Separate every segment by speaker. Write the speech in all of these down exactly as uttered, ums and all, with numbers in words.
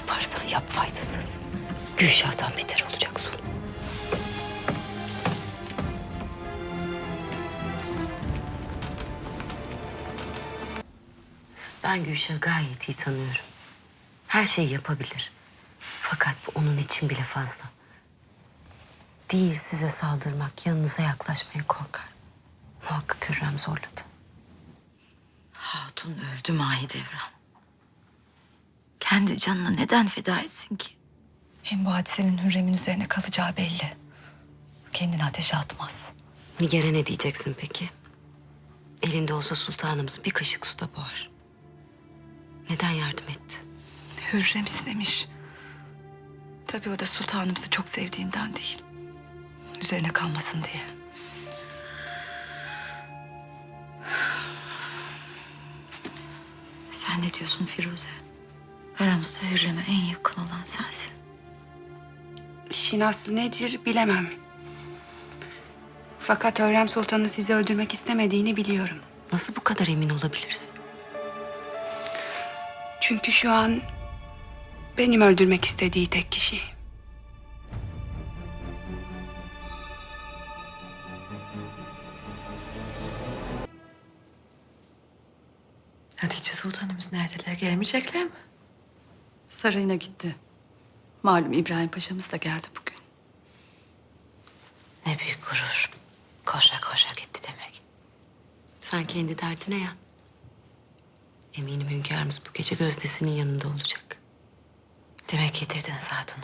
Speaker 1: yaparsan yap faydasız. Gülşah'tan beter olacak sonu. Ben Gülşah'ı gayet iyi tanıyorum. Her şeyi yapabilir. Fakat bu onun için bile fazla. Değil size saldırmak, yanınıza yaklaşmaya korkar. Muhakkak Hürrem zorladı.
Speaker 2: Hatun övdü Mahidevran. Kendi canını neden feda etsin ki?
Speaker 3: Hem bu hadisenin Hürrem'in üzerine kalacağı belli. Kendini ateşe atmaz.
Speaker 1: Nigar'a ne diyeceksin peki? Elinde olsa sultanımız bir kaşık suda boğar. Neden yardım etti?
Speaker 3: Hürrem istemiş. Tabii o da sultanımızı çok sevdiğinden değil. Üzerine kalmasın diye.
Speaker 2: Sen ne diyorsun Firuze? Aramızda Hürrem'e en yakın olan sensin.
Speaker 4: İşin aslı nedir bilemem. Fakat Hürrem Sultan'ın sizi öldürmek istemediğini biliyorum.
Speaker 1: Nasıl bu kadar emin olabilirsin?
Speaker 4: Çünkü şu an benim öldürmek istediği tek kişi.
Speaker 2: Hatice Sultanımız neredeler? Gelemeyecekler mi?
Speaker 3: Sarayına gitti. Malum İbrahim Paşa'mız da geldi bugün.
Speaker 2: Ne büyük gurur. Koşa koşa gitti demek.
Speaker 1: Sen kendi derdine yan. Eminim hünkârımız bu gece Gözdesi'nin yanında olacak.
Speaker 2: Demek yedirdiniz hatunu.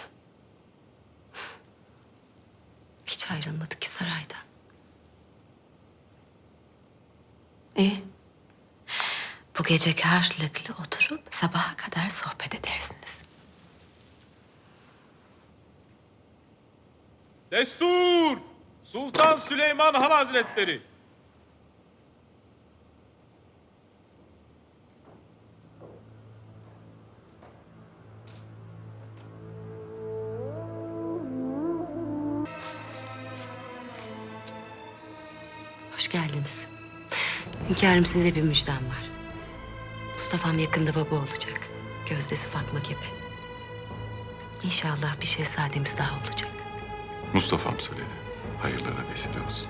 Speaker 1: Hiç ayrılmadı ki saraydan.
Speaker 2: İyi. Bu gece karşılıklı oturup sabaha kadar sohbet edersiniz.
Speaker 5: Destur! Sultan Süleyman Han Hazretleri!
Speaker 1: Hoş geldiniz. Hünkârım size bir müjdem var. Mustafa'm yakında baba olacak. Gözdesi Fatma Gebe. İnşallah bir şehzademiz daha olacak.
Speaker 6: Mustafa'm söyledi. Hayırlara vesile olsun.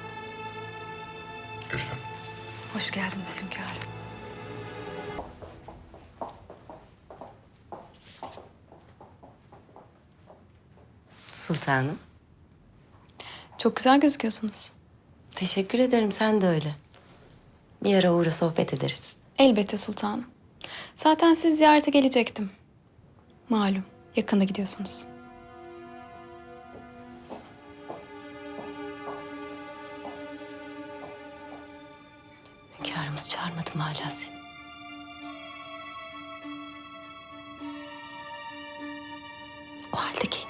Speaker 6: Gülfem.
Speaker 3: Hoş geldiniz hünkârım.
Speaker 1: Sultanım.
Speaker 7: Çok güzel gözüküyorsunuz.
Speaker 1: Teşekkür ederim, sen de öyle. Bir ara uğra sohbet ederiz.
Speaker 7: Elbette sultanım. Zaten siz ziyarete gelecektim. Malum yakında gidiyorsunuz.
Speaker 1: Hünkârımız çağırmadı mı hala seni? O halde kendini